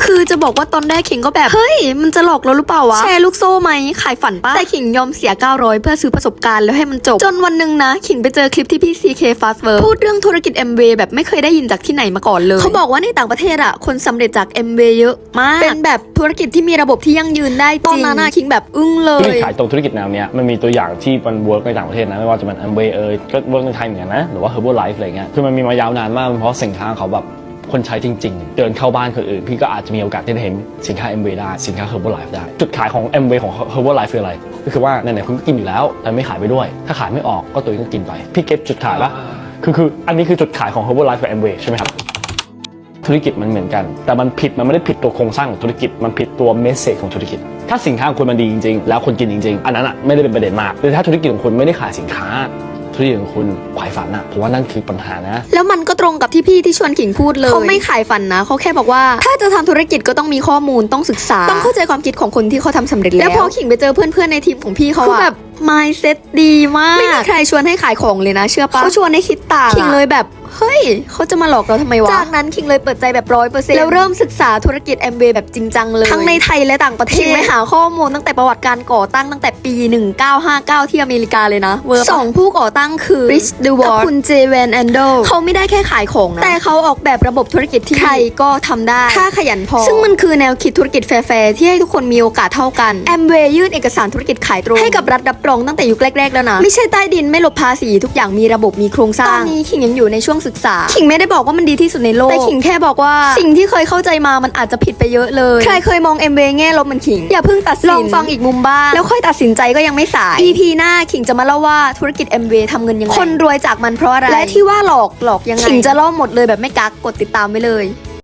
คือจะบอกว่าตอนแรกขิงก็แบบเฮ้ยมันจะหลอกเราหรือเปล่าวะแชร์ลูกโซ่ไหมขายฝันปะแต่ขิงยอมเสีย900เพื่อซื้อประสบการณ์แล้วให้มันจบจนวันหนึ่งนะขิงไปเจอคลิปที่พี่ CK Fastwork พูดเรื่องธุรกิจ Amway แบบไม่เคยได้ยินจากที่ไหนมาก่อนเลยเขาบอกว่าในต่างประเทศอะคนสำเร็จจาก Amway เยอะมากเป็นแบบธุรกิจที่มีระบบที่ยั่งยืนได้จริงตอนนั้นขิงแบบอึ้งเลธุรกิยจขายตรงธุรกิจแนวเนี้ยมันมีตัวอย่างที่มันเวิร์กในต่างประเทศนะไม่ว่าจะเป็น Amway ก็เวิร์กในไทยเหมือนกันนะหรือว่า Herbalife อะไรเงี้ยคือมันมีมายาวนานมากเพราะสินค้าเขาแบบคนใช้จริงๆเดินเข้าบ้านคนอื่นพี่ก็อาจจะมีโอกาสที่จะเห็นสินค้า Amway ได้สินค้า Herbalife ได้จุดขายของ Amway ของ Herbalife คืออะไรก็คือว่าไหนๆคุณก็กินอยู่แล้วแต่ไม่ขายไปด้วยถ้าขายไม่ออกก็ตัวเองก็กินไปพี่เก็บจุดขายปะคืออันนี้คือจุดขายของ Herbalife กับ Amway ใช่ไหมครับธุรกิจมันเหมือนกันแต่มันไม่ได้ผิดตัวโครงสร้างของธุรกิจมันผิดตัวเมสเซจของธุรกิจถ้าสินค้าของคุณมันดีจริงๆแล้วคนกินจริงๆอันนั้นอ่ะไม่ได้เป็นประเด็นมากแต่ถ้าธุรกิจของคุณไม่ได้ขายสินค้าธุรกิจของคุณขายฝันอ่ะผมว่านั่นคือปัญหานะแล้วมันก็ตรงกับที่พี่ที่ชวนขิงพูดเลยเขาไม่ขายฝันนะเขาแค่บอกว่าถ้าจะทำธุรกิจก็ต้องมีข้อมูลต้องศึกษาต้องเข้าใจความคิดของคนที่เขาทำสำเร็จแล้วพอขิงไปเจอเพื่อนๆในทีมของพี่เขาแบบ mindset ดีมากไม่มีใครชวนให้ขายของเลยนะเชื่อปะเขาชวนให้คิดต่างขิงเลยแบบเฮ้ยเขาจะมาหลอกเราทำไมวะจากนั้นคิงเลยเปิดใจแบบ100%แล้วเริ่มศึกษาธุรกิจ Amway แบบจริงจังเลยทั้งในไทยและต่างประเทศคิงไปหาข้อมูลตั้งแต่ประวัติการก่อตั้งตั้งแต่ปี 1959 ที่อเมริกาเลยนะสองผู้ก่อตั้งคือริชดูวอร์กับคุณเจแวนแอนโดเขาไม่ได้แค่ขายของนะแต่เขาออกแบบระบบธุรกิจที่ใครก็ทำได้ถ้าขยันพอซึ่งมันคือแนวคิดธุรกิจแฟร์ที่ให้ทุกคนมีโอกาสเท่ากัน Amway ยื่นเอกสารธุรกิจขายตรงให้กับรัฐรับรองตั้งแต่ยุคแรกๆแล้วนะไม่ใช่ใต้ดินไม่หลบภาษีทุกอย่างมีระบบมีโครงสร้างตอนนี้คิงยังอยู่ในช่วงศึกษาขิงไม่ได้บอกว่ามันดีที่สุดในโลกแต่ขิงแค่บอกว่าสิ่งที่เคยเข้าใจมามันอาจจะผิดไปเยอะเลยใครเคยมอง Amway แง่ลบเหมือนขิงอย่าเพิ่งตัดสินลองฟังอีกมุมบ้างแล้วค่อยตัดสินใจก็ยังไม่สาย EP หน้าขิงจะมาเล่าว่าธุรกิจ Amway ทำเงินยังไงคนรวยจากมันเพราะอะไรและที่ว่าหลอกยังไงขิงจะเล่าหมดเลยแบบไม่กักกดติดตามไว้เลย